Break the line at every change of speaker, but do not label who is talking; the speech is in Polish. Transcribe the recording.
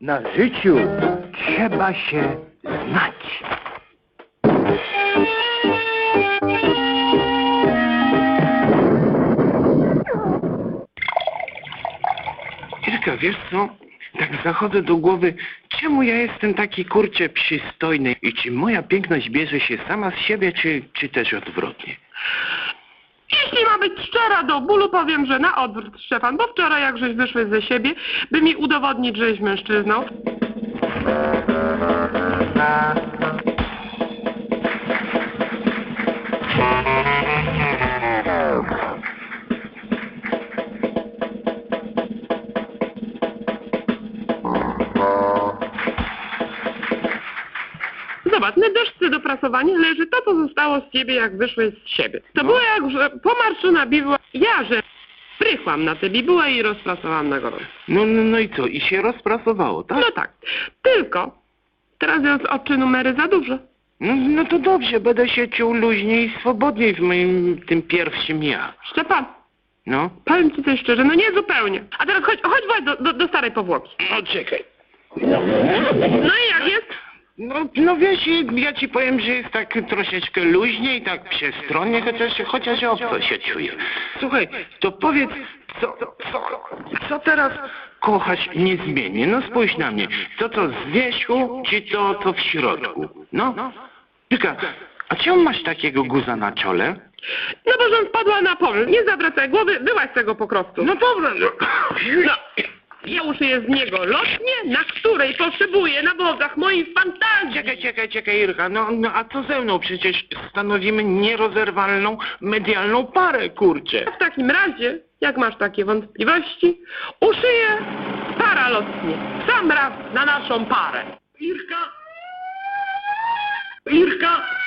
Na życiu trzeba się znać.
Irka, wiesz co? Tak zachodzę do głowy, czemu ja jestem taki kurczę przystojny i czy moja piękność bierze się sama z siebie, czy też odwrotnie?
Jeśli ma być szczera do bólu, powiem, że na odwrót, Szczepan, bo wczoraj jak żeś wyszły ze siebie, by mi udowodnić, żeś mężczyzną. Zobacz, na deszce do prasowania leży to, co zostało z ciebie, jak wyszłeś z siebie. To było jak, że pomarszczona bibuła. Ja, że prychłam na tę bibułę i rozprasowałam na gorąco.
No i co? I się rozprasowało, tak?
No tak. Tylko teraz jest oczy numery za dużo.
No to dobrze, będę się czuł luźniej i swobodniej w moim tym pierwszym ja.
Szczepan,
No?
powiem ci coś szczerze, no nie zupełnie. A teraz chodź do starej powłoki.
No czekaj.
No i jak jest?
No wiesz, ja ci powiem, że jest tak troszeczkę luźniej, tak przestronnie, chociaż obco się czuję. Słuchaj, to powiedz, co teraz kochasz niezmiennie? No spójrz na mnie, to z wierzchu, czy to co w środku? No? Tylko, a czemu masz takiego guza na czole?
No bo żem wpadła na pomysł. Nie zawracaj głowy, byłaś z tego pokrostu.
No dobra,
No. Ja uszyję z niego lotnię, na której potrzebuję na wodach moich fantazji.
Czekaj, Irka, no a co ze mną? Przecież stanowimy nierozerwalną medialną parę, kurczę.
W takim razie, jak masz takie wątpliwości, uszyję paralotnie. Sam raz na naszą parę.
Irka!